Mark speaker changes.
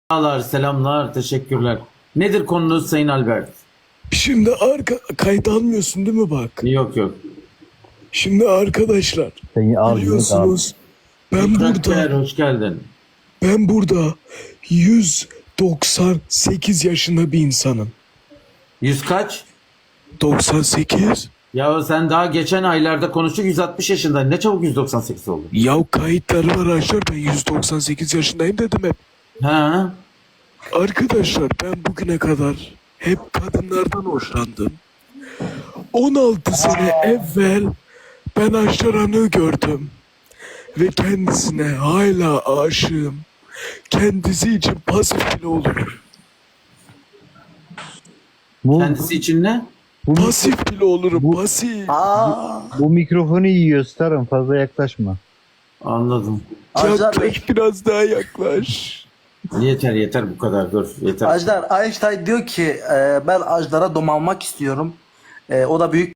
Speaker 1: Selamlar, selamlar, teşekkürler. Nedir konunuz Sayın Albert?
Speaker 2: Şimdi kayıt almıyorsun değil mi bak?
Speaker 1: Yok yok.
Speaker 2: Şimdi arkadaşlar
Speaker 3: Seni almıyor abi.
Speaker 2: biliyorsunuz
Speaker 1: Mükrekker, hoş geldin.
Speaker 2: ben burada 198 yaşında bir insanım.
Speaker 1: Yüz kaç?
Speaker 2: 98?
Speaker 1: Ya sen daha geçen aylarda konuştuk 160 yaşında. Ne çabuk 198 oldu.
Speaker 2: Ya kayıtları var arkadaşlar, ben 198 yaşındayım dedim hep.
Speaker 1: Ha?
Speaker 2: Arkadaşlar ben bugüne kadar hep kadınlardan hoşlandım. 16 sene evvel ben Aşar Han'ı gördüm. Ve kendisine hala aşığım. Kendisi için pasif bile olurum.
Speaker 3: Bu,
Speaker 1: Kendisi için ne?
Speaker 2: Pasif bile olurum, pasif.
Speaker 3: bu mikrofonu iyi gösterin, fazla yaklaşma.
Speaker 1: Anladım.
Speaker 4: Ajdar Bey,
Speaker 2: Yaklaş, biraz daha yaklaş.
Speaker 1: Yeter yeter bu kadar dur. Yeter.
Speaker 4: Ajdar Einstein diyor ki ben Ajdar'a domalmak istiyorum. O da büyük